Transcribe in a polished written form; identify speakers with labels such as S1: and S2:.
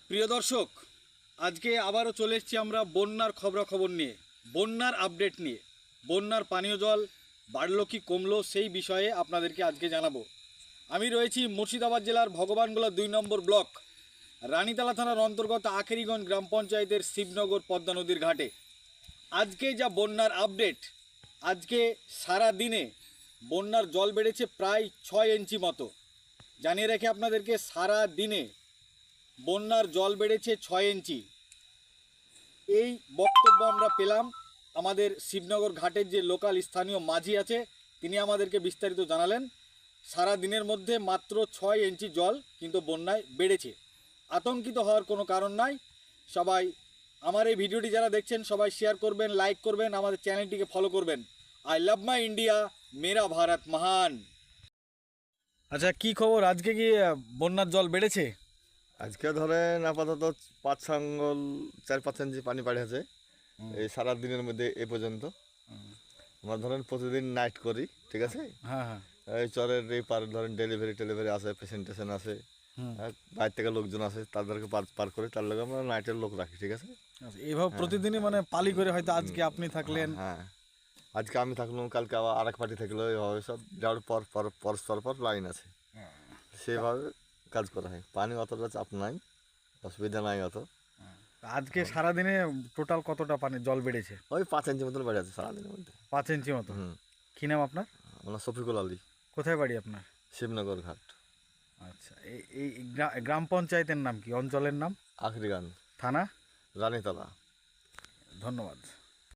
S1: প্রিয় দর্শক, আজকে আবারও চলে এসেছি আমরা বন্যার খবরাখবর নিয়ে, বন্যার আপডেট নিয়ে। বন্যার পানীয় জল বাড়লো কি কমলো সেই বিষয়ে আপনাদেরকে আজকে জানাবো। আমি রয়েছি মুর্শিদাবাদ জেলার ভগবানগোলা 2 নম্বর ব্লক রানীতলা থানার অন্তর্গত আখেরিগঞ্জ গ্রাম পঞ্চায়েতের শিবনগর পদ্মা নদীর ঘাটে। আজকে যা বন্যার আপডেট, আজকে সারা দিনে বন্যার জল বেড়েছে প্রায় 6 ইঞ্চি মতো। জানিয়ে রেখে আপনাদেরকে, সারা দিনে বন্যার জল বেড়েছে 6 ইঞ্চি। এই বক্তব্য আমরা পেলাম আমাদের শিবনগর ঘাটের যে লোকাল স্থানীয় মাঝি আছে, তিনি আমাদেরকে বিস্তারিত জানালেন। সারা দিনের মধ্যে মাত্র 6 ইঞ্চি জল কিন্তু বন্যায় বেড়েছে। আতঙ্কিত হওয়ার কোনো কারণ নাই। সবাই আমার এই ভিডিওটি যারা দেখছেন সবাই শেয়ার করবেন, লাইক করবেন, আমাদের চ্যানেলটিকে ফলো করবেন। আই লাভ মাই ইন্ডিয়া, মেরা ভারত মহান। আচ্ছা, কি খবর? আজকে কি বন্যার জল বেড়েছে?
S2: আজকে ধরেন আপাতত 4-5 ইঞ্চি পানি বাড়েছে এই সারা দিনের মধ্যে এ পর্যন্ত। আমরা ধরেন প্রতিদিন নাইট করি, ঠিক আছে।
S1: হ্যাঁ হ্যাঁ।
S2: এই চরের এই পার ধরেন ডেলিভারি আছে, পেশেন্টেশন আছে, বাইরে থেকে লোকজন আছে, তাদেরকে পার করে তার লগে আমরা নাইটের লোক রাখি, ঠিক আছে।
S1: এইভাবে প্রতিদিনই মানে পালি করে, হয়তো আজকে আপনি থাকলেন,
S2: হ্যাঁ, আজকে আমি থাকলাম, কালকে আবার আরেক পার্টি থাকলো, এইভাবে সব যাওয়ার পর লাইন আছে, সেভাবে কাজ করা হয়। পানি অতটা চাপ নাই, অসুবিধা নাই অত।
S1: আজকে সারাদিনে টোটাল কতটা পানি জল বেড়েছে?
S2: ওই 5 ইঞ্চি মতন বেড়ে আছে সারাদিনের মধ্যে।
S1: 5 ইঞ্চি মতো। কি নাম আপনার?
S2: আমার শফিকুল আলী,
S1: কোথায় বাড়ি আপনার?
S2: শিবনগর ঘাট।
S1: আচ্ছা, এই গ্রাম পঞ্চায়েতের নাম কি, অঞ্চলের নাম?
S2: আখরিগান,
S1: থানা?
S2: রানীতলা।
S1: ধন্যবাদ।